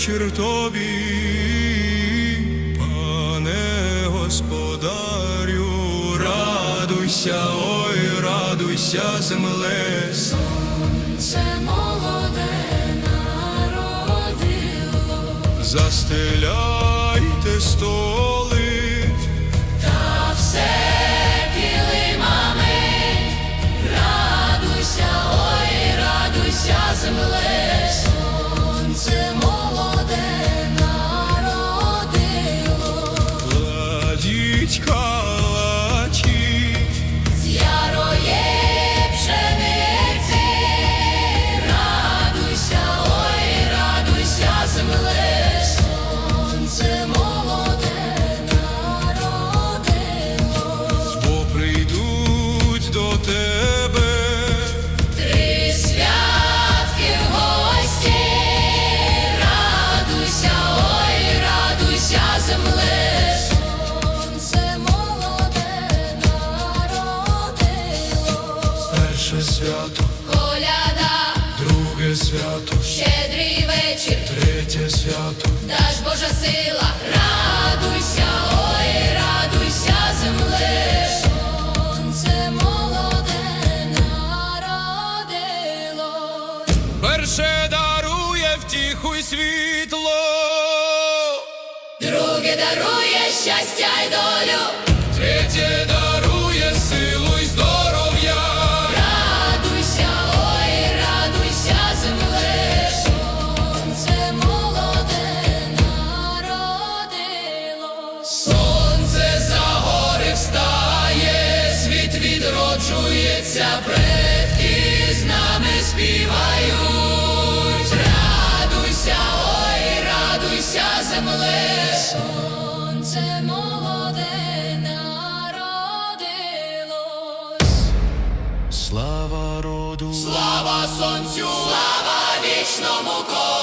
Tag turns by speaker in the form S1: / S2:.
S1: вечір тобі, пане господарю. Радуйся, ой, радуйся, земле.
S2: Сонце молоде народило.
S1: Застеляйте столи,
S2: Та все килимами. Радуйся, ой, радуйся, земле. Сонце молоде народило.
S1: кладіть калачі,
S2: З ярої пшениці. Радуйся, ой, радуйся, земле. Сонце молоде народило.
S1: бо прийдуть до тебе.
S2: Три святки в гості. Радуйся, ой, радуйся, земле. Сонце молоде народило.
S1: Перше свято,
S2: Коляда,
S1: друге свято,
S2: щедрий вечір,
S1: третє свято.
S2: даж Божа сила. Радуйся, ой, радуйся, земле. Сонце молоде народило.
S1: Перше дарує втіху й світло,
S2: Друге дарує щастя й долю.
S1: третє дарує силу й здоров'я.
S2: Радуйся, ой, радуйся, земле. Сонце молоде народило.
S1: Сонце за гори встає, світ відроджується, предки з нами співають.
S2: Радуйся, ой, радуйся, земле. Сонце молоде народилось.
S1: Слава роду,
S2: Слава сонцю, слава вічному колу.